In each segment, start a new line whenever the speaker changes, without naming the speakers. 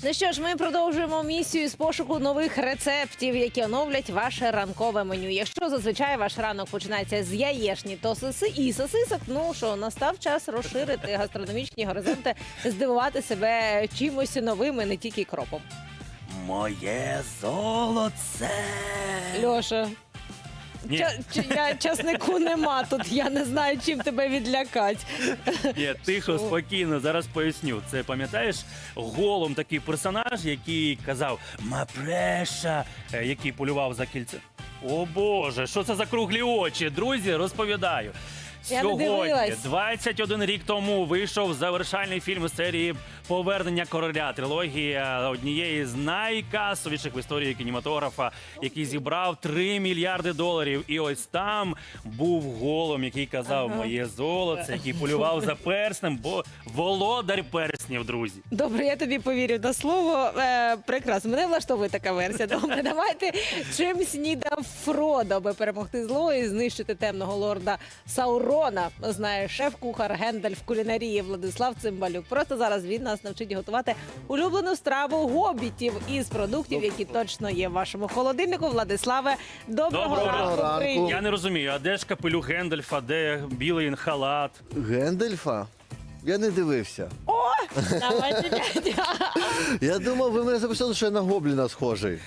Ну що ж, ми продовжуємо місію з пошуку нових рецептів, які оновлять ваше ранкове меню. Якщо зазвичай ваш ранок починається з яєшні то і сосисок, ну що, настав час розширити гастрономічні горизонти, здивувати себе чимось новим і не тільки кропом.
Моє золоце.
Льоша,
Ні.
часнику нема тут, я не знаю, чим тебе відлякати.
Ні, тихо, спокійно, зараз поясню. Це, пам'ятаєш, Голум такий персонаж, який казав «Мапреша», який полював за кільце. О Боже, що це за круглі очі? Друзі, розповідаю.
Я не
Сьогодні,
дивилась.
21 рік тому, вийшов завершальний фільм серії «Повернення короля». Трилогія однієї з найкасовіших в історії кінематографа, який зібрав 3 мільярди доларів. І ось там був Голум, який казав «Моє золоце», який полював за перснем, бо володар перснів, друзі.
Добре, я тобі повірю на слово. Прекрасно, мене влаштовує така версія. Добре, давайте чим снідав Фродо, аби перемогти зло і знищити темного лорда Саурона. Знає шеф-кухар Гендальф кулінарії Владислав Цимбалюк. Просто зараз він нас навчить готувати улюблену страву гобітів із продуктів, які точно є в вашому холодильнику. Владиславе, доброго ранку.
ранку.
Я не розумію, а де ж капелюх Гендальфа, де білий халат?
Гендальфа? Я не дивився.
Давайте, дядя.
Я думав, ви мене записали, що я на гобліна схожий.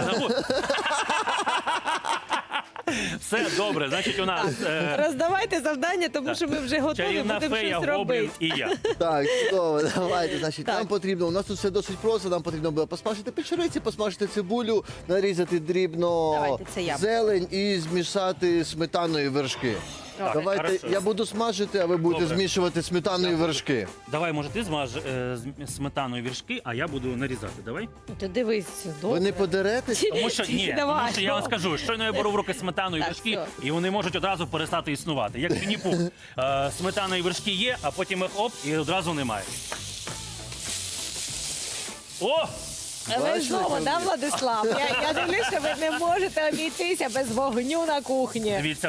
Все добре, значить у нас
Роздавайте завдання, тому що ми вже готові,
чарівна
будемо
фея,
щось
гоблін
робити.
і я.
Так, чудово, давайте. Значить,
Так.
нам потрібно, у нас тут все досить просто, нам потрібно було посмажити печериці, посмажити цибулю, нарізати дрібно
Давайте, це я.
зелень і змішати сметаною вершки.
Так,
Давайте,
хорошо.
я буду смажити, а ви будете
Добре.
змішувати сметаною вершки.
Давай, може, ти змаж сметаною віршки, а я буду нарізати. Давай.
Ти дивись, добре.
Ви не подеретесь?
Тому що ні,
Давай.
тому що я вам скажу, щойно я беру в руки сметану і
Так,
вершки,
все.
і вони можуть одразу перестати існувати. Як Вінні-Пух. Сметана і вершки є, а потім їх оп, і одразу немає. О!
Ви
Бачите,
знову,
як
да,
ви?
Владислав? Я дивлюсь, що ви не можете обійтися без вогню на кухні.
Дивіться,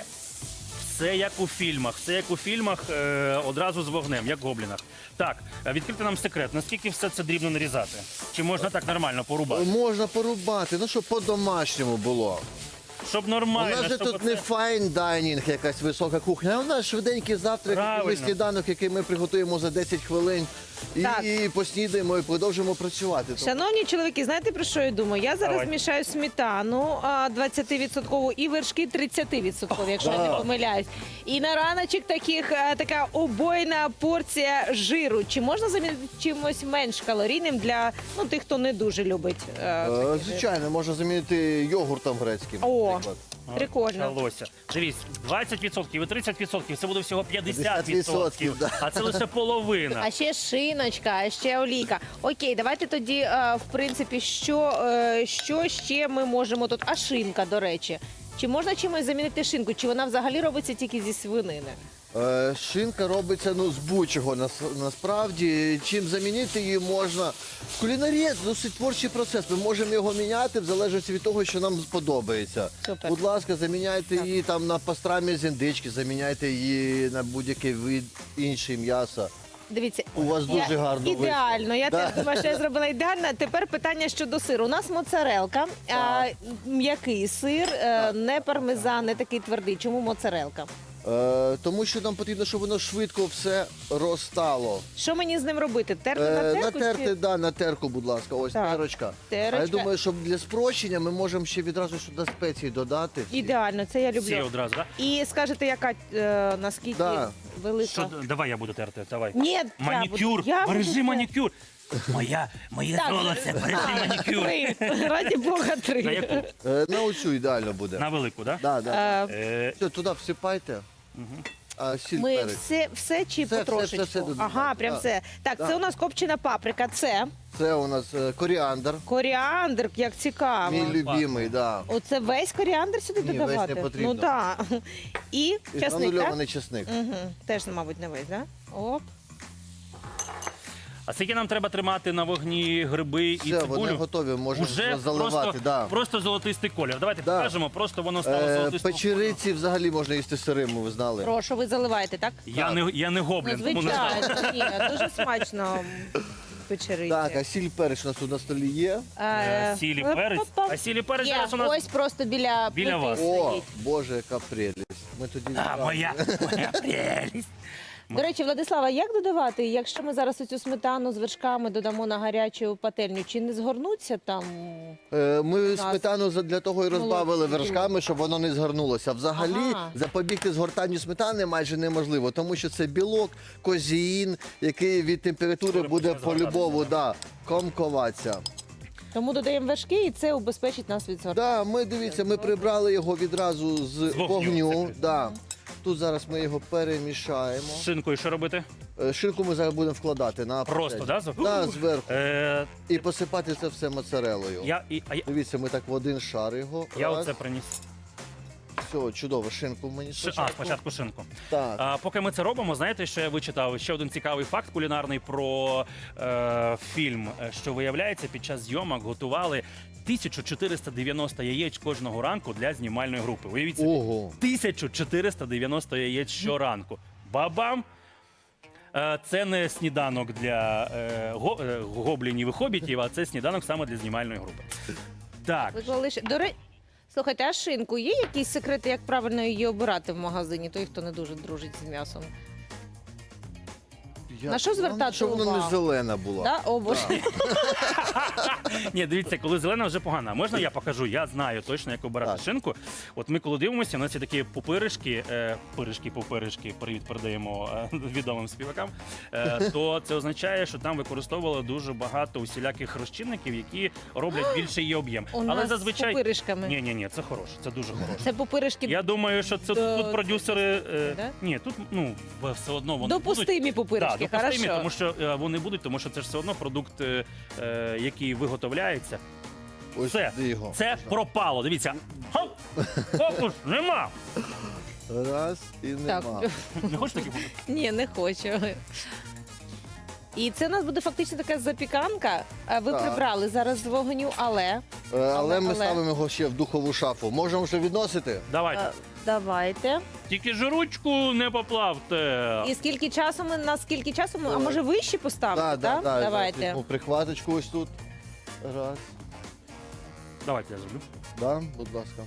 все як у фільмах. Все як у фільмах, одразу з вогнем, як в гоблінах. Так, відкрити нам секрет. Наскільки все це дрібно нарізати? Чи можна так нормально порубати?
Можна порубати, ну щоб по-домашньому було.
Щоб
У
нормально,
нас же
щоб
тут не файн дайнінг, якась висока кухня, а у нас швиденький завтрак,
Правильно.
якийсь сніданок, який ми приготуємо за 10 хвилин.
Так.
І поснідаємо, і продовжимо працювати.
Шановні чоловіки, знаєте, про що я думаю? Я зараз
Давай.
мішаю сметану 20% і вершки 30%, якщо я не помиляюсь. І на раночок така обойна порція жиру. Чи можна замінити чимось менш калорійним для тих, хто не дуже любить?
Звичайно, можна замінити йогуртом грецьким.
О,
наприклад.
прикольно.
Почалося. Дивись, 20% і 30%, це буде всього 50%.
50%, да.
А це лише половина.
А ще шиночка, а ще олійка. Окей, давайте тоді, в принципі, що ще ми можемо тут? А шинка, до речі. Чи можна чимось замінити шинку? Чи вона взагалі робиться тільки зі свинини?
Шинка робиться з будь-чого насправді. Чим замінити її можна. В кулінарії це досить творчий процес. Ми можемо його міняти в залежності від того, що нам сподобається.
Супер.
Будь ласка, заміняйте її там на пастрамі з індички, заміняйте її на будь-який вид інший м'яса.
Дивіться,
У вас дуже гарно вийшло.
ідеально. Я
Да.
теж думаю, що я зробила ідеально. Тепер питання щодо сиру. У нас моцарелка, м'який сир, не пармезан, не такий твердий. Чому моцарелка?
Тому що нам потрібно, щоб воно швидко все розтало.
Що мені з ним робити? Терти на терку?
Натерти, да, на терку, будь ласка, ось
Так.
терочка.
Терочка.
А я думаю, що для спрощення ми можемо ще відразу сюди спеції додати.
Ідеально, це я
Всі
люблю.
одразу, так?
І скажете, яка наскільки
Да.
велика?
Що, давай я буду терти, давай.
Ні,
Манікюр,
я
бережи
буду-
манікюр. Моє
Так.
золоце, бережи манікюр.
3. Раді Бога, 3.
На яку?
На оцю ідеально буде.
На велику, так?
Да, да.
Е,
Все, туди всипайте. А сіль
Ми
перець.
все чи
Все,
потрошечку?
все додаємо.
Ага, прям
Так.
все. Так,
Так.
це у нас копчена паприка, це
Це у нас коріандр.
коріандр, як цікаво.
Мій любимий, да.
Оце весь коріандр сюди
Ні, весь
додавати?
не потрібно.
Ну так. І
І
часник, так?
гранульований чесник.
Угу. Теж, мабуть, не весь, так? Оп.
А скільки нам треба тримати на вогні гриби і
Все,
цибулю?
вони готові, можна
Уже
заливати.
просто золотистий колір. Давайте
Да.
покажемо, просто воно стало золотистим.
Печериці взагалі можна їсти сирими, ви знали.
Прошу, ви заливаєте, так?
Я не
Ну,
гоблін, тому не знаю.
звичайно, ні, дуже смачно. печериці.
Так, а сіль перець у нас тут на столі є.
Сіль і перець. А сіль і перець
Є,
зараз у нас...
ось просто біля
Біля
плити
вас.
О,
стоїть.
Боже, яка прелість. Ми тоді
А, моя прелість.
До речі, Владислава, як додавати, якщо ми зараз оцю сметану з вершками додамо на гарячу пательню, чи не згорнуться там?
Ми сметану для того і розбавили
молоко.
вершками, щоб воно не згорнулося. Взагалі
Ага.
запобігти згортанню сметани майже неможливо, тому що це білок, козеїн, який від температури
Коли
буде
почне згортатися,
по-любому комкуватися.
Тому додаємо вершки, і це убезпечить нас від згортання.
Да, дивіться, ми прибрали його відразу з
вогню,
вогню.
це
Да. Тут зараз ми його перемішаємо.
З шинкою що робити?
Шинку ми зараз будемо вкладати на
Просто,
пательню.
да?
Да, зверху.
Е,
І посипати це все моцарелою.
я
Дивіться, ми так в один шар його.
я
Раз.
оце приніс.
Все, чудово, шинку мені
Спочатку шинку.
Так.
А, поки ми це робимо, знаєте, що я вичитав? Ще один цікавий факт кулінарний про фільм, що виявляється, під час зйомок готували 1490 яєць кожного ранку для знімальної групи. Уявіть собі,
Ого.
1490 яєць щоранку. Бабам! Це не сніданок для гоблінів і хобітів, а це сніданок саме для знімальної групи. Так,
Виклали ще. Слухайте, а шинку є якісь секрети, як правильно її обирати в магазині, той, хто не дуже дружить з м'ясом? На що звертати
Щоб вона не
увагу?
зелена була.
Да? О, Боже.
ні, дивіться, коли зелена вже погана. Можна я покажу? Я знаю точно, як обирати
Так.
шинку. От ми коли дивимося, у нас є такі пупиришки, пупиришки, привіт передаємо відомим співакам. То це означає, що там використовували дуже багато усіляких розчинників, які роблять більший її об'єм.
У
Але
нас
зазвичай
з пупиришками.
ні, це хороше, це дуже хороше.
Це пупиришки
Я думаю, що це
До-
тут продюсери.
Да?
Ні, тут все одно вони
допустимі
будуть.
пупиришки,
Да, допустимі,
хорошо.
тому що вони будуть, тому що це ж все одно продукт, який виготовляється.
Ось
Все,
сюди його.
це пропало. Дивіться. Хоп! Фокус, нема.
Раз і
Так.
нема.
Не хочеш такі бути?
Ні, не хочу. І це у нас буде фактично така запіканка. Ви
Так.
прибрали зараз з вогню, але
Але ми
але-
ставимо його ще в духову шафу. Можемо вже відносити?
Давайте.
давайте.
Тільки ж ручку не поплавте.
І скільки часу ми на скільки часу ми, а може вище поставити? так? Давайте.
Візьму прихваточку ось тут. Раз.
Давайте я зроблю.
Да, будь ласка.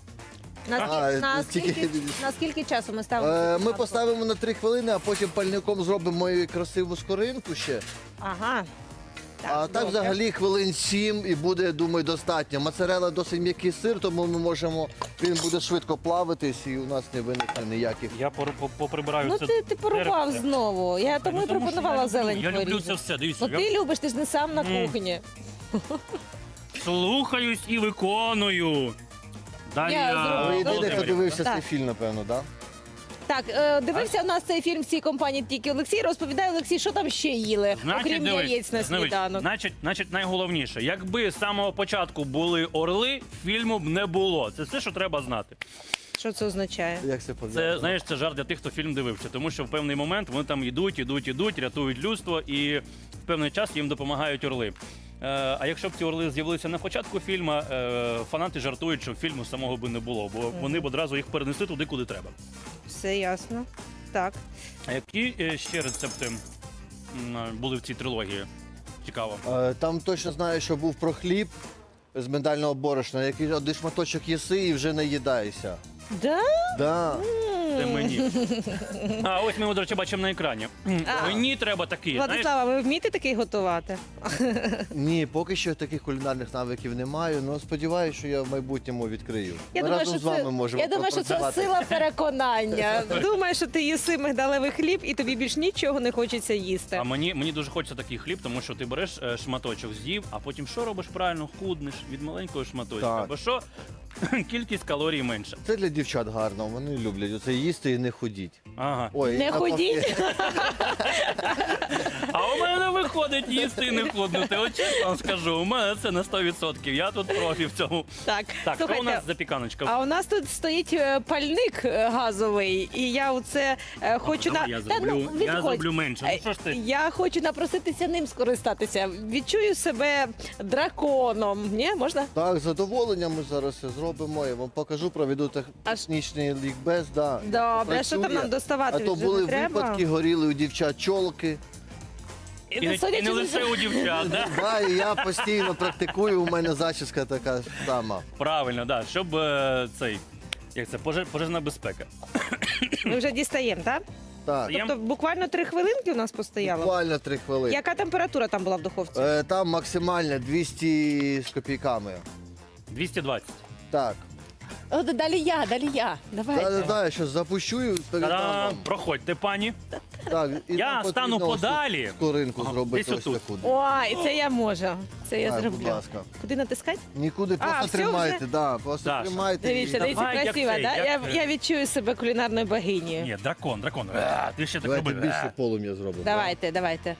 На
тільки-
скільки часу ми ставимо? цю
Ми
запіканку?
поставимо на 3 хвилини, а потім пальником зробимо її красиву скоринку ще.
Ага.
А так
добре.
взагалі хвилин 7 і буде, думаю, достатньо. Моцарелла досить м'який сир, тому ми можемо, він буде швидко плавитись і у нас не виникне ніяких.
Я поприбираю
Ну
це.
ти порубав
деревце.
знову. Я тому і
Ну, тому що
пропонувала
я люблю-
зелень
Я люблю
порізати.
це все. Дивіться,
Ну ти любиш, ти ж не сам на кухні.
слухаюсь і виконую. Дар'я
зроблю.
Ви єдиний, хто
Володимирівна.
дивився
Так.
цей фільм, напевно, так?
Так, дивився у нас цей фільм в цій компанії тільки Олексій. Розповідає Олексій, що там ще їли, окрім
дивись,
яєць на сніданок.
Значить, найголовніше, якби з самого початку були орли, фільму б не було. Це все, що треба знати.
Що це означає?
Як це пов'язано?
Це, знаєш, це жарт для тих, хто фільм дивився, тому що в певний момент вони там ідуть, рятують людство, і в певний час їм допомагають орли. А якщо б ці орли з'явилися на початку фільму, фанати жартують, що фільму самого би не було, бо вони б одразу їх перенесли туди, куди треба.
Все ясно. Так.
А які ще рецепти були в цій трилогії? Цікаво.
Там точно знаю, що був про хліб з миндального борошна, який один шматочок їси і вже не їдаєшся.
Да?
Да.
Це мені. А ось ми, до речі, бачимо на екрані. Мені треба такі. Знаєш,
Владислава, ви вмієте такий готувати?
Ні, поки що таких кулінарних навиків не маю, але сподіваюся, що я в майбутньому відкрию.
Я
Ми
думаю,
разом
що
з вами
це,
можемо
я думаю, що це
попрацювати.
сила переконання. Думаю, що ти їси мигдалевий хліб і тобі більш нічого не хочеться їсти.
а мені дуже хочеться такий хліб, тому що ти береш шматочок, з'їв, а потім що робиш правильно? Худнеш від маленького шматочка.
Так.
Бо що? Кількість калорій менша.
Це для дівчат гарно, вони люблять оце їсти і не ходіть.
Ага.
Ой,
Не
навпаки.
ходіть.
А у мене виходить їсти і не худнути. От чесно вам скажу, у мене це на 100%. Я тут профі в цьому.
Так,
Так, що у
слухайте,
нас запіканочка?
а у нас тут стоїть пальник газовий, і я оце хочу
Давай
на
я
Та,
зроблю, я
відходь.
зроблю менше. Ну що ж ти?
Я хочу напроситися ним скористатися. Відчую себе драконом. Ні, можна?
Так, з задоволенням ми зараз це зробимо. Я вам покажу, проведу технічний лікбез. Да,
Добре, що там
працює.
нам доставати
А то
вже
були
не треба?
випадки, горіли у дівчат чолки.
І не
судячи з
лише у дівчат, да?
Да, і я постійно практикую, у мене зачіска така сама.
Правильно, да. Щоб пожежна безпека.
Ми вже дістаємо, так?
Так,
Тобто буквально 3 хвилинки у нас постояло?
буквально 3 хвилини.
Яка температура там була в духовці?
Там максимально 200 з копійками.
220.
Так.
О, далі я. Давайте.
Да, я зараз запущу і передам
Та-дам!
вам.
Проходьте, пані.
Так, і
Я
нам
стану
потрібно ось тут
подалі.
Скоринку
Ага,
зробити
десь
ось
отут.
таку.
Ой, це я можу. Це я
Так, будь
зроблю.
ласка.
Куди натискати?
Нікуди,
А,
просто
все
тримайте,
вже?
да, просто
Даша,
тримайте.
Дивіться,
і-
дивіться,
Давай, як
красиво,
цей,
да?
як
Я відчую себе кулінарною богинею.
Ні, дракон. Ти ще так
Давайте
робив.
більше полум'я зробимо.
Давайте.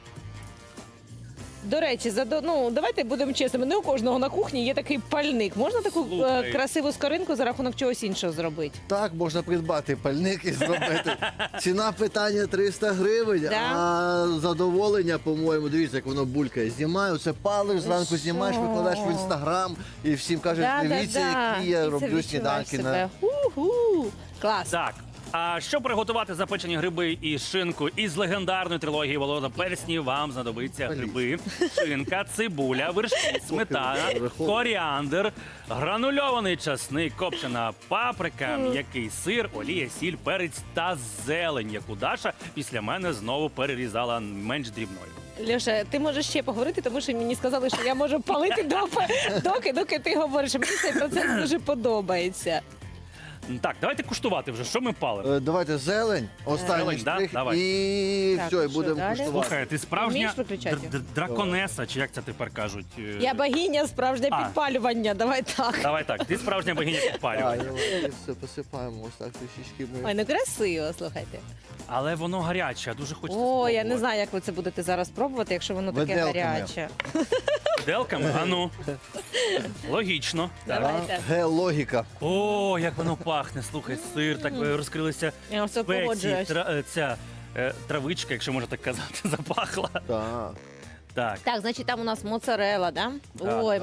До речі, давайте будемо чесними. Не у кожного на кухні є такий пальник. Можна таку
Слухай.
красиву скоринку за рахунок чогось іншого зробити?
Так, можна придбати пальник і зробити. Ціна питання 300 гривень,
Да?
а задоволення, по-моєму, дивіться, як воно булькає. Знімаю, це палиш, зранку знімаєш,
що?
викладаєш в інстаграм і всім кажеш, дивіться, які я
І це
роблю
відчуваєш
сніданки.
себе. Ху-ху. Клас.
Так. А щоб приготувати запечені гриби і шинку із легендарної трилогії Володар Перснів, вам знадобиться гриби, шинка, цибуля, вершки, сметана, коріандр, гранульований часник, копчена паприка, м'який сир, олія, сіль, перець та зелень, яку Даша після мене знову перерізала менш дрібною.
Льоша, ти можеш ще поговорити, тому що мені сказали, що я можу палити доки ти говориш. Мені цей процес дуже подобається.
Так, давайте куштувати вже, що ми палимо.
Давайте зелень, останній
Зелень, да?
штрих,
Давай.
і
Так,
все, і
що
будемо
далі?
куштувати.
Слухай, ти справжня
Вмієш виключати?
драконеса, чи як це тепер кажуть?
Я богиня справжнє
А.
підпалювання. Давай так.
Давай так, ти справжня богиня
Так,
підпалювання.
і все, посипаємо ось так трішечки ми.
Ой, ну красиво, слухайте.
Але воно гаряче, а дуже хочеться
О, я
спробувати.
не знаю, як ви це будете зараз пробувати, якщо воно таке
Виделками.
гаряче.
Виделками? А ну. Логічно. Так.
Давайте.
Ге-логіка.
О, як воно пахне. Слухай, сир, так розкрилися
Я все
спеції,
погоджуюсь.
ця травичка, якщо можна так казати, запахла.
Так.
Так.
Так, значить, там у нас моцарелла, да?
Так.
Ой,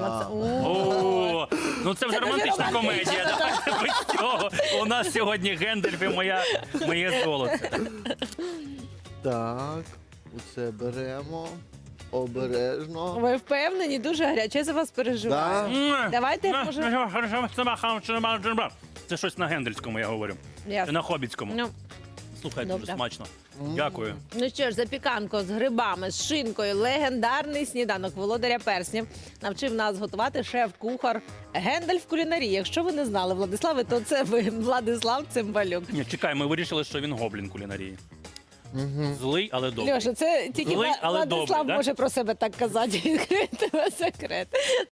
О, ну це вже
Це дуже
романтична
романтично.
комедія. Давайте без цього. У нас сьогодні Гендальф і моє золоце.
Так, оце беремо. Обережно.
Ви впевнені, дуже гаряче, я за вас переживаю. Давайте, може-
Це щось на гендельському, я говорю. Чи
Ясно.
на хобітському.
Ну,
Слухай,
добре.
дуже смачно. Дякую.
ну що ж, запіканко з грибами, з шинкою, легендарний сніданок володаря перснів навчив нас готувати шеф-кухар Гендальф кулінарії. Якщо ви не знали, Владиславе, то це ви, Владислав Цимбалюк.
Ні, чекай, ми вирішили, що він гоблін кулінарії. Злий, але добрий.
Льоша, це тільки
Злий, але
Владислав
добрий, да?
може про себе так казати. Відкрити секрет.